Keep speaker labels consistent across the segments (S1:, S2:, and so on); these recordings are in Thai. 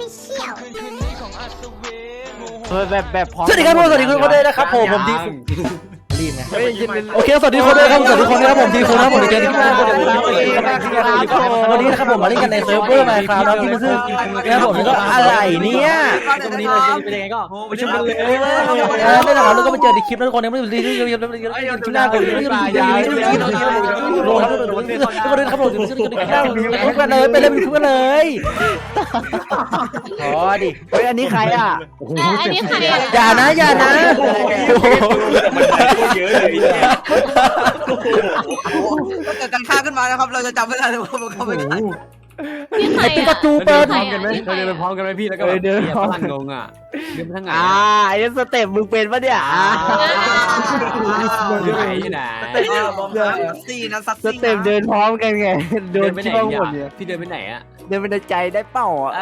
S1: Official
S2: แบบพร้อม
S3: สวัสดีครับผมสวัสดีคุณคนด้วยนะครับผมทีรีบไงโอเคสวัสดีคนด้วยครับสวัสดีคนนะครับผมทีคนนะครับผมเจอที่มาวันนี้นะครับผมมาเล่นกันในเซิร์ฟเวอร์มาครับแล้วที่มันคือนะครับผมก็อะไรเนี่ย
S2: วันนี้เป็นยังไงก็ไปชมกันเลย
S3: ไม่หรอกเราก็ไปเจอในคลิปแล้วทุกคนยังไม่ได้คลิปหน้าผมทุกคนนะครับผมทุกคนเลยไปเลยทุกคนเลยอ๋อดิ
S2: เฮ้ยอันนี้ใครอ่ะ
S1: อันนี้ใครอ่ะ
S3: อย่านะอย่านะ
S4: เยอะเลยพี่
S5: ถ้าเกิดการฆ่าขึ้นมานะครับเราจะจำไม่ได้เลยว่ามันเข้าไปได้
S1: นี่ใคร
S3: ปิ
S1: อ่ะ
S3: กาจูเปิด
S1: ใครอ่ะ
S2: เราเดินพร้อมกันไหมพี่แล้วก็เดินพลังงงอ่ะเดินทั้งไงไอ้สเต็ปมึงเป็นปะเนี่ยอยู่ไหนอยู่ไหน
S5: ซี่นะซัด
S2: สเต็ปเดินพร้อมกันไงเดินไปไหนเนี่ยพี่เดินไปไหนอ่ะเดินไปในใจได้เปล่าอ่ะ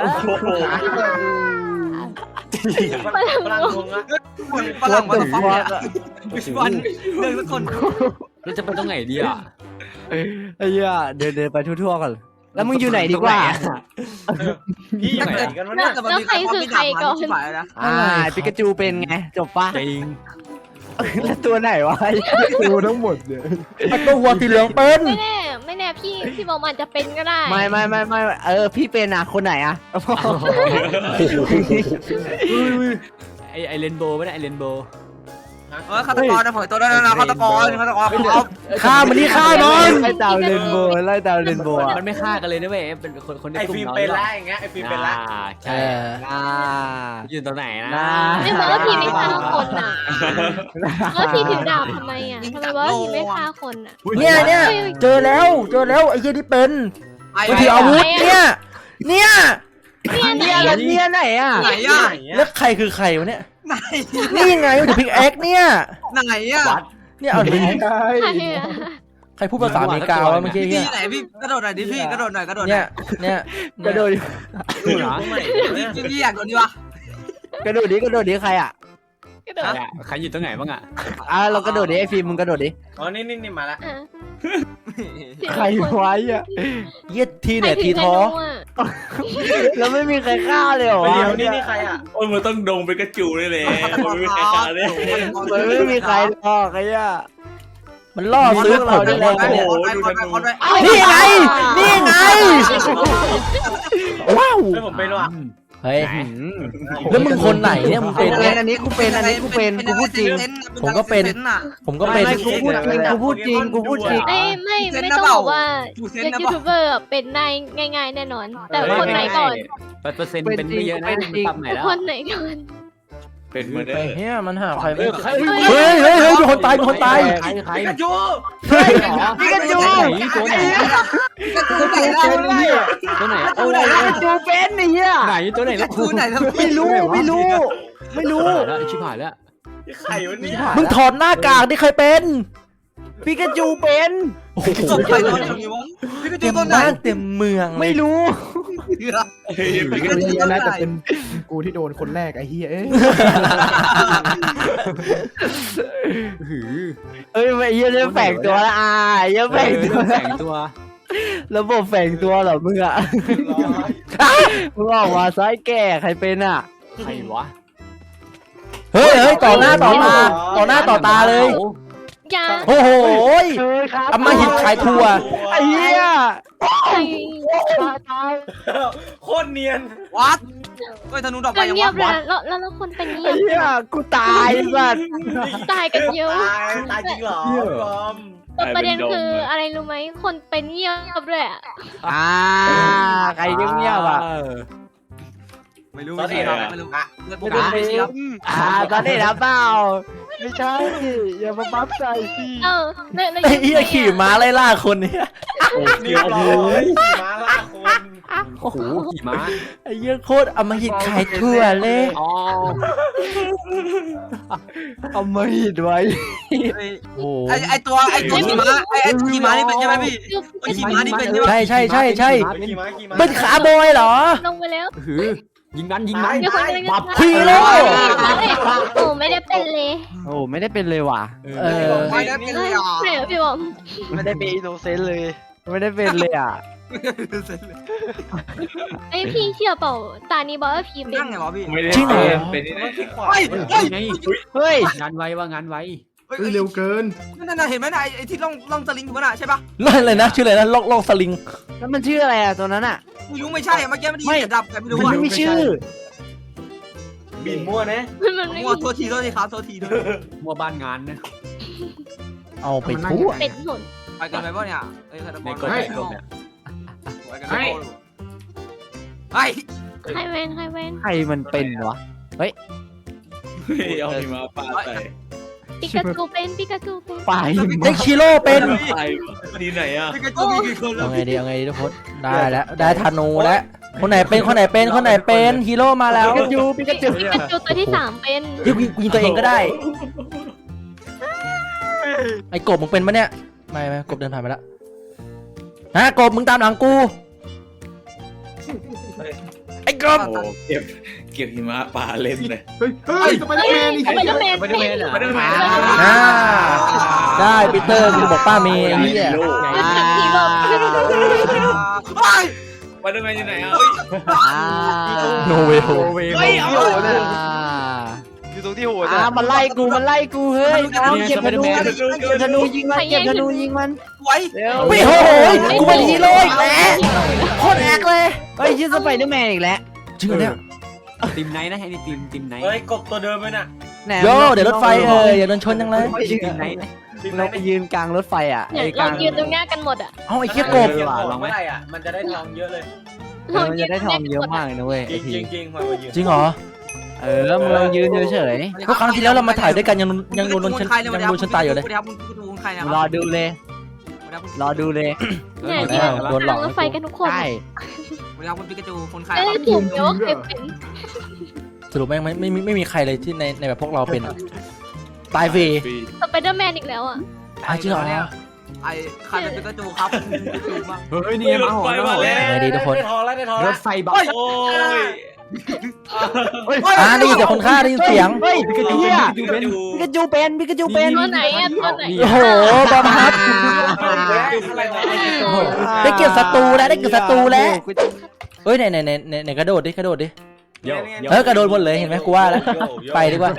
S1: พลังงง
S5: ฝรั่งมาฟังวันเดินทุกคน
S2: เราจะไปตรงไหนดีอ่ะไอ้เหี้ยเดินไปทั่วๆก่อนแล้วมึงอยู่ไหนดีกว่า
S4: พี่อยู่ไหนกันวะเนี่ย
S1: แล้วใครคือใครก่อน
S2: ปิกาจูเป็นไงจบปะจริงแล้วตัวไหนวะตัวทั้งหมดเนี่ย
S3: ตัวหัวสีเหลืองเป็น
S1: ไม่แน่พี่บอกมันจะเป็นก็ได้
S2: ไม่พี่เป็นอ่ะคนไหนอ่ะไอเรนโบว์ไม่ได้ไอเรนโบว์
S5: ฆาตกรนะเผยตัวได้แล้วนะฆาตกรครับ
S3: ฆ่ามันนี่ฆ่ามัน
S2: ไล่ตามเรนโบว์มันไม่ฆ่ากันเลยนะเว้ยเป็นคนใน
S4: ไอก
S2: ลุ่ม
S4: ฟิล์ม
S2: เรา
S4: เป็นละอย่างเงี้ยไอฟิล์มเป็นละ
S2: ใช่อยู่ตรงไหนนะ
S1: ไม่บอกว่าพี่ไม่ฆ่าคนอ่ะแล้วพี่ถือดาบทำไมอ่ะทำไมว่าพี่ไม่ฆ่าคนอ่ะ
S3: เนี่ยเจอแล้วไอ้เหี้ยนี่เป็นมันถืออาวุธเนี่ย
S1: เนี่ย
S2: ไหนอ่ะ
S5: ไหนอ่ะ
S3: แล้วใครคือใครวะเนี่ย
S5: ไหน
S3: นี่ยังไงมันถือพิกแอคเนี่ย
S5: ไหนอ่ะ
S3: เนี่ยเอาดิ
S1: ใครอ่ะ
S3: ใครพูดภาษาอเมริกาวะเมื่อกี้
S5: พี่
S3: เนี่ย
S5: ไหนพี่กระโดดหน่อยดิพี่กระโดดหน่อยกระโดด
S3: เนี่ย
S2: กระโดด
S4: ดูเหรอ
S5: พี่อยากโดนดิวะ
S2: กระโดดดิใครอ่ะ
S1: กระโดด
S2: ใครอยู่ตรงไหนบ้างอ่ะเรากระโดดดิไอฟิล์มมึงกระโดดดิ
S4: อ๋อนี่มาละ
S2: ใครไว้อ่ะ
S3: เยี่ยทีเนี่ยทีท้อ
S2: แล้วไม่มีใครฆ่าเลยเหรอ
S4: เดี๋ยวนี่ใครอ่ะโอ้ยมันต้องดงเป็นกระจูเลยมันไม่ใครฆ่าเลย
S2: มันไม่มีใครหรอกไอ้ย่า
S3: มันล่อซื้อเราแน่ นี่ไงว้าว
S4: ไม่ผมเป็นว่ะ
S3: เฮ้ยแล้วมึงคนไหนเนี่ยมึงเป็นเนี่ย
S2: อันนี้กูพูดจริง
S3: ผมก็เป็น
S2: กูพูดจริง
S1: ไม่ต้องบอกว่ายูทูบเบอร์เป็นได้ง่ายๆแน่นอน แต่คนไหนก่อน
S2: เปอร์เซ็นต์เป็นไม่เยอะนะมันต่ำไหนแล้ว
S1: คนไหนก่อน
S4: เป็นมาเด้
S3: ไอ้
S4: อ
S3: เหี้ยมันหาใครไม่
S1: เฮ้
S3: เฮ้ยมีคนตาย
S2: ใคร
S4: กระจู
S2: ปิกาจูตัวไหนตัวไหนจูเป็นไอ้เหี้ยไหนตัวไหนแล้ว
S5: คือไหนแล้ว
S2: ไม่รู้แล้วชิบหายแล้ว
S4: ไข่วันนี้
S3: มึงถอดหน้ากากที่เคยเป็น
S2: ปิกาจูเป็น
S3: โอ้โห
S5: ใครโดนทำนี้วะพี่ก็
S3: เต็
S5: จู
S3: ม
S5: ต้นไหน
S3: บ้านเต็มเมือง
S2: ไม่รู้
S5: พี่ก็จูต้นไหน
S6: แต่เป็นกูที่โดนคนแรกไอ้เฮียเอ้ย
S2: เฮ้ยไอ้เหี้ยแฝงตัวละยังแฝงตัวระบบแฝงตัวเหรอมึงอ่ะมึงออกมาซ้ายแก่ใครเป็นอ่ะใครวะ
S3: เฮ้ยต่อหน้าต่อตาเลย
S1: ยา
S3: โอ้โห
S2: ครับ
S3: อำมหิตขายทัวร์
S2: ไอ้เหี้ย
S4: โคตรเนียน
S5: วัดเฮ้ยธนูดอกไปยัง
S1: เงียบเล
S5: วั
S1: ย
S5: ด
S1: แล้วคนเป็นเงี
S2: ไอ้
S1: ยบ
S2: เหี้ยกูตายสัตว์
S1: ตายกันเยอะ
S4: ตายจริงเหรอปอม
S1: ประเด็นคืออะไรรู้ไหมคนเป็นเงียบเลยอ่ะ
S2: ใครเงียบอ่ะ
S5: ไม่รู้ไม่รู้ไม่รู้เลือดผมไม่ใช่ครับ
S2: ตอนนี้นะเปล่าไม่ใช่อย่ามาบัฟใจสิ
S3: ไอ้เหี้ยขี่ม้าไล่ล่าคนเนี่ย
S4: เรียบร้อยมาละคน
S2: โอ้โหขี่ม้า
S3: ไอ้เหี้ยโคตรอำมหิตขายทัวร์เลย
S2: อ๋อเอามาหิดไว้
S3: โอ้
S5: ไอตัวขี่ม้าไอขี่ม้านี่เป็นใช่ไหมพี่ขี่ม้านี่เป็นใช่ไหม
S3: ใช่
S4: ขี่ม้า
S3: เป็นขาบอยเหรอ
S1: ลงไปแล้ว
S2: ยิงนั้น
S1: มีคนกำลังจะ
S3: ฮีโร่
S1: โอ้ไม่ได้เป็นเลย
S2: โอ้ไม่ได้เป็นเลยว่ะ
S5: ไม่ได้เป็นเลยอ่ะ
S1: ไหนพี่บอม
S2: ไม่ได้เป็นอินโนเซนต์เลย ไม่ได้เป็นเลยอ่ะ
S1: ไอพี่เชื่อเปล่าตานี้บอกว่าพี่เป็น
S5: นั่งไงวะพี่
S4: ไม่ได้
S3: จริงเหรอ
S4: เป็นนี่นะ
S5: เฮ้ยเฮ้ย
S2: เฮ้ย
S7: งานไวว่างานไว
S6: เร็วเกิน
S5: นั่นเห็นไหมไอ้ที่ล่องสลิงอยู่น่ะใช่ปะ
S3: อะไรนะชื่ออะไรนะลอกสลิง
S2: แล้วมันชื่ออะไรอ่ะตัวนั้นอ่ะ
S5: ไม่รู้ไม่ใช่เมื่อกี้มันได้ยินเสียงดับแต่ไม่รู้
S2: มัน
S5: ว่า
S2: ไม่มีชื่อ
S4: บินมั่วนะ
S1: มันไม่
S5: มั่วโทษทีครับโทษทีด้วย
S7: มัวบ้านงานนะ
S3: เอาไปทั่ว
S1: เป็นหน
S5: ไปกันไปป่ะเนี่ยเอ้ย
S7: ในกฎในกฎเนี่ย
S5: ไปกันไปเฮ้ย
S1: ใครเว้นใครเว้น
S2: ใครมันเป็นวะ
S4: เอาหิมะปาใส่
S1: ปิกาจูเป็นปิกาจูเป็น
S2: ไป
S3: เด็กชิโร่เป็น
S4: ใส่ดีไหนอ่ะ
S5: พี่กระจุมีกี่คนแล้
S3: เอา
S5: ว
S3: ไงดีเอาไงดีทุกคนได้แล้วได้ธนูแล้วคนไหนเป็นคนไหนเป็นฮีโร่มาแล้ว
S2: ปิกาจูปิกาจู
S1: ปิกาจูตัวที่3เป็น
S3: ยิงตัวเองก็ได้ไอ้กบมึงเป็นปะเนี่ยไม่กบเดินผ่านไปแล้วฮะกบมึงตามหลังกูไอ้กบ
S4: โอ้เก็บหิมะปาเล่นเลย
S6: เฮ้ยสไปเดอร์แมนนี่
S1: สไปเดอร์แมน
S7: ไม่ได้เมนเหรอ
S4: ไม่ได้แมน
S3: ได้ปีเตอร์กูบอกป้าเมย์ไอ้เหี้ย
S1: ฮีโร่
S4: ไปได้แมนอยู่ไหนอ่ะ
S3: โนเวล
S7: เฮ้ยเอา
S2: อยู่ตรงที่หัวมันไล่กูเฮ้ยเก็บธนูยิงมันเก็บธนูยิงมัน
S5: ไว้
S2: เร็ว
S3: ไม่โหยกูเป็นฮีโร่อีกแล้วโคตรแอคเลย
S2: เฮ้ยชื่อสไปเดอร์แมนอีกแล้ว
S3: จริงเหรอเนี่ย
S7: ทีมไหนนะไอ้นี่ทีมไหน
S4: เฮ้ยกบตัวเดิมไหมน่ะ
S3: โยเดี๋ยวรถไฟอย่าโดนชนจังเลย
S7: ทีมไหนนะ
S2: เราไปยืนกลางรถไฟอ่ะ
S1: เนี่ย
S2: ไอ้ก
S1: เรา
S2: ลาง
S1: ยืนตรงหน้ากันหมดอ่ะ
S3: เอาไอ้เหี้ยกบ
S7: ลองไหม
S4: มันจะได้ทองเยอะเลย
S2: มันจะได้ทองเยอะมากเลยนะเว้ย
S4: จ
S2: ไอ้ที
S4: ริงมายืน
S3: จริงเหรอ
S2: มึงลองยืนเฉย
S3: เพราะครั้งที่แล้วเรามาถ่ายด้วยกันยังโดนชนตายอยู่เลย
S5: สวัสดีครับคุณดูใครนะ
S2: ๆรอดูเลย รอดูเลย
S1: เนี่ย
S3: โด
S1: ยืน
S3: นหลอก
S1: รถไฟกันทุกคน
S2: ใช่
S5: สวัสดีครับคุณปิกาจูคนใคร
S1: เอ้ยถูกเดี๋ยวใครเป็น
S3: สรุปแม่งไม่มีใครเลยที่ในแบบพวกเราเป็นตายฟรี
S1: สไปเดอร์แมนอีกแล้วอ่ะ
S3: จริงเหรอ
S5: ไอ้ใครเป็นปิกาจูครับดูบ้าง
S7: เฮ้ยนี่มาหอมาหอ
S3: ไงดีทุกคน
S4: ได้ทองแล้วได้ทอง
S7: ร
S4: แล้ว
S7: ถไฟบัส
S4: โอ้ย
S3: ได้ยินเสียงคนฆ่าได้ยินเสียง
S2: เฮ้ยปิกาจูเป็น
S4: ดู
S2: ปิกาจูเป็นปิกาจูเป็น
S1: ตัวไหนอ่ะตัวไหน
S3: โอ้โหบอมครับได้เกี่ยวศัตรูแล้วได้เกี่ยวศัตรูแล้วเฮ้ยไหนกระโดดดิกระโดดดิ
S7: เดี๋ยว
S3: กระโดดหมดเลยเห็นไหมกูว่าแล้วไปดีกว่า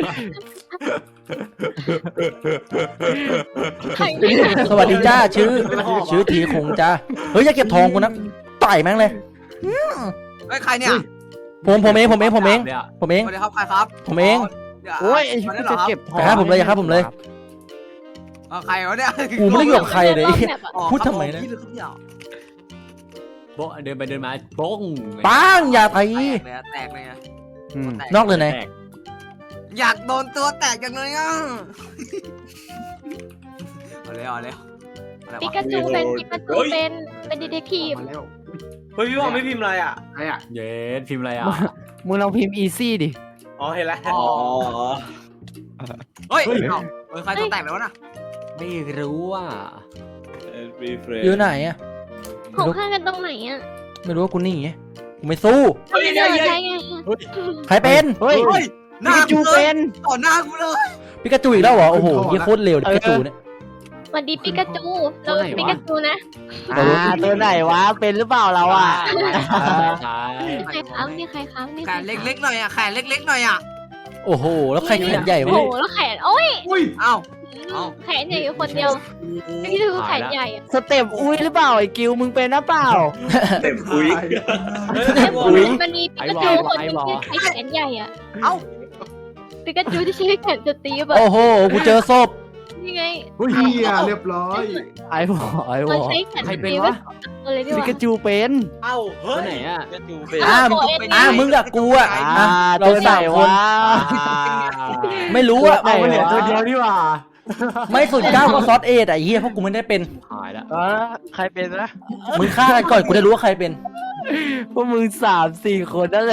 S1: ใครไม่ได้
S3: สวัสดีจ้าชื่อทีคงจ้าเฮ้ยอย่าเก็บทองกูนะต่อยแม่งเลย
S5: ไอ้ใครเนี่ย
S3: ผมเอง
S5: สวัสดีครับใครครับ
S3: ผมเอง
S2: โอ้ยจะเก็บทอง
S3: อย่าฆ่าผมเลยอย่าฆ่าผมเลย
S5: ใครวะเนี่ย
S3: กูไม่ได้อยู่กับใครเลย
S1: รอบแบบอะ
S3: พูดทำไมนะ
S7: โบ๊ะเดินไปเดินมาโป้ง
S3: ปังอย่าตี
S5: แตกเลย
S3: นอกเลยไหน
S5: อยากโดนตัวแตกจังเลยอ่ะเอาเลย
S1: ปิกาจูเป็นดีเทคทีฟ
S6: มาแล้ว
S4: เฮ้ยพี่ว่าไม่พิมพ์อะไรอ่ะ
S6: ใครอ่ะ
S7: เย็ดพิมพ์อะไรอ่ะ
S2: มึงลองพิมพ์อีซี่ดิ
S4: อ๋อเห็นแล้ว
S5: เฮ้ยใครตัวแตกแล้วนะ
S7: ไม่รู้อ่ะ
S3: อยู่ไหนอะ
S1: ของข้างกันตรงไหนอ่ะ
S3: ไม่รู้ว่ากูหนี่ไงกูไม่สู้
S1: ทำไมเดินใช่ไง
S3: ใครเป็น
S2: เฮ้ย
S5: หน้า
S2: ปิกาจูเป็น
S5: ต่อหน้ากูเลย
S3: ปิกาจูอีกแล้วเหรอโอ้โหยี่โคตรเร็วปิกาจูเนี่ย
S1: สวัสดีปิกาจูเราปิกาจูนะ
S2: ตัวไหนวะเป็นหรือเปล่าเราอ่ะ
S7: ใช่
S1: ใครค้ำนี่ใครค้ำนี่
S5: แขนเล็กๆหน่อยอ่ะแขนเล็กๆหน่อยอ่ะ
S3: โอ้โหแล้วใครแขนใหญ่
S1: โอ้
S3: วะ
S1: โหแล้วแขนโอ้ย
S6: อุ้ย
S5: เอ้า
S1: แขนใหญ่อยู่คนเดียวนี่คือแขนใหญ่อะ
S2: สเต็ปอุ้ยหรือเปล่าไอ้กิวมึงเป็นหรือเปล่า
S4: เต็มคุย
S1: มันมีปิกาจูคนนึงที่ใช้แขนใหญ่อะ
S5: เอ้า
S1: ปิกาจูที่ใช้แขนสตีฟอะ
S3: โอ้โหกูเจอศพ
S1: นี่ไง
S6: อุ้ยเรียบร้อย
S2: ไอ้วอ
S1: มันใช้แขนสตีฟเลยดีก
S2: ปิ
S1: ว่า
S2: กาจูเป็น
S4: เอ้าเฮ้
S7: ตัวย ไหนอ่ะ
S3: มึงกับกูอะเรา
S2: ตัวไหน
S3: สามคน
S2: วะ
S3: ไม่รู้อะ
S2: เอาไปเหลือตัวเดียวนี่หว่า
S3: ไม่สุดเก้าก็ซอสเอทไอ้เหี้ยเพราะกูไม่ได้เป็น
S7: หายแล้ว
S2: ใครเป็นนะ
S3: มึงฆ่ากันก่อนกูได้รู้ว่าใครเป็น
S2: พวกมึง3-4 คนนั่นแหละ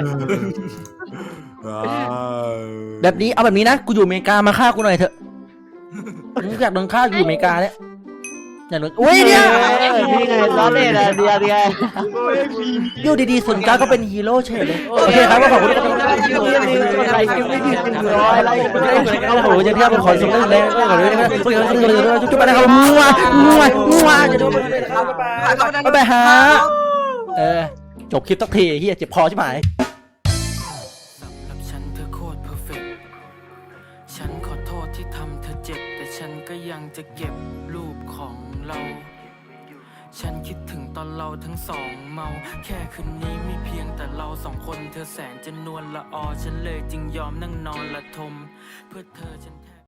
S3: แบบนี้เอาแบบนี้นะกูอยู่อเมริกามาฆ่ากูหน่อยเถอะมึงอยากโดนฆ่าอยู่อเมริกาเนี่ยอย่างนู้นอุ้ยเนี่ย
S2: นี่ไงล้อเล่นอะเดียวไง
S3: อยู่ดีๆ09ก็เป็นฮีโร่เฉยเลยโอเคครับก็ขอบคุณที่ติดตาม
S2: อะไรกินไม่ดี100อะไร
S3: โอ้โหจะเทียบเป็นขอส่งได้เลยขอเลยนะครับจุ๊บไปนะครับมัวจะโดนไปหาจบคลิปสักทีเฮียเจ็บคอใช่ไหม
S8: สำหรับฉันเธอโคตรเพอร์เฟกต์ฉันขอโทษที่ทำเธอเจ็บแต่ฉันก็ยังจะเก็บรูปของเราฉันคิดถึงตอนเราทั้งสองเมาแค่คืนนี้มีเพียงแต่เราสองคนเธอแสนจะนวลละออฉันเลยจึงยอมนั่งนอนละทมเพื่อเธอฉัน